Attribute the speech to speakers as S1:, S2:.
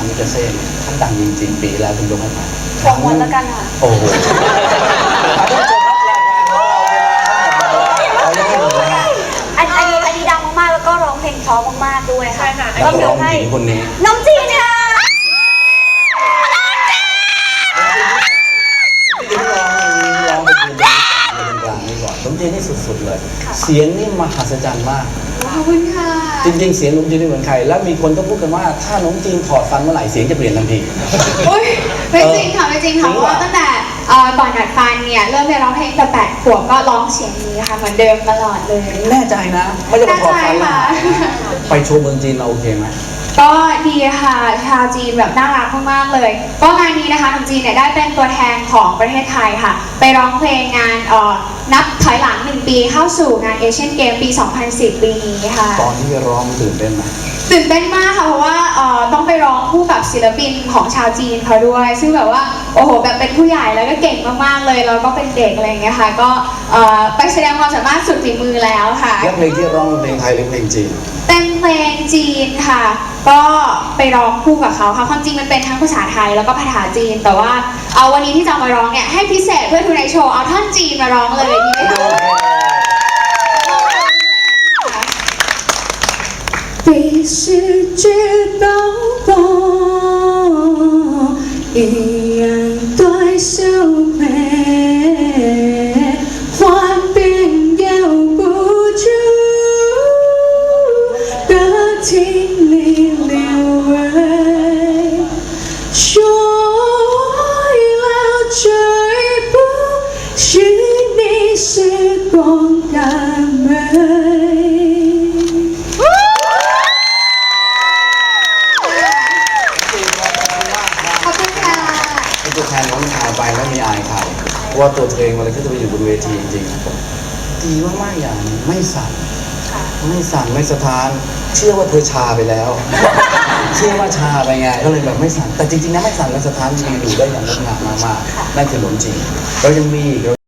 S1: มิกาเซ่ท่านดังจริงๆปีแล้วถึงยกให้มา
S2: ชมวันแล้วกันค่ะ
S1: โอ้โห
S2: อันนี้ดังมากๆแล้วก็ร้องเพลงเพราะมากๆด้วยค่ะ
S1: ก็ยกให้คนนี้
S2: น้องจีนค่ะ
S1: ร้องไปยืนตรงกลางนี่ก่อนน้องจีนนี่สุดๆเลยเสียงนี่มหัศจรรย์มาก
S2: ขอบคุณค่ะ
S1: จริงๆเสียงน้องจีนไม่เหมือนใครแล้วมีคนก็พูดกันว่าถ้าน้องจีนถอดฟันเมื่อไหร่เสียงจะเปลี่ยนทันที
S3: อุ้ยไม่จริงค่ะไม่จริงค่ะเพราะว่าตั้งแต่ก่อนดัดฟันเนี่ยเริ่มเรียนร้องเพลงแต่8 ขวบก็ร้องเสียงนี้ค่ะเหมือนเดิมตลอดเลย
S1: แน่ใจนะไม่ได้ไปถอดฟันนะไปโชว์เมืองจีนเราโอเคไหม
S3: ก็ดีค่ะชาวจีนแบบน่ารักมากๆเลยก็งานนี้นะคะน้องจีนเนี่ยได้เป็นตัวแทนของประเทศไทยค่ะไปร้องเพลงงานนับถอยหลัง1 ปีเข้าสู่งานเอเชียนเกมปี 2010 ปีนี้ค่ะ
S1: ตอนที่ร้องตื่นเต้นไหม
S3: ตื่นเต้นมากค่ะเพราะว่าต้องไปร้องคู่กับศิลปินของชาวจีนเขาด้วยซึ่งแบบว่าโอ้โหแบบเป็นผู้ใหญ่แล้วก็เก่งมากๆเลยแล้วก็เป็นเด็กอะไรอย่างเงี้ยค่ะก็ไปแสดงความสามารถสุดฝีมือแล้วค่ะ
S1: แล้วเพลงที่ร้องเพลงไทยหรือเพลงจีน
S3: เป็นเพลงจีนค่ะก็ไปร้องคู่กับเขาค่ะความจริงมันเป็นทั้งภาษาไทยแล้วก็ภาษาจีนแต่ว่าเอาวันนี้ที่จะมาร้องเนี่ยให้พิเศษเพื่อทูไนโชว์เอาท่อนจีนมาร้องเลยดีไหมคะ被世界包裹，一样对手背，幻变又不住的听你流泪，说了这一步是你时光的美。
S1: ตัวแทนน้องชายไปแล้วมีอายใครเพราะว่าตัวเองเวลาที่จะไปอยู่บนเวทีจริงๆดีมากๆอย่างไม่สั่นไม่สะท้านเชื่อว่าเธอชาไปแล้วเชื่อว่าชาไปไงก็เลยแบบไม่สั่นแต่จริงๆนะไม่สั่นและสะท้านจริงอยู่ได้อย่างงดงามมากๆนั่นคือหลงจริงเรายังมี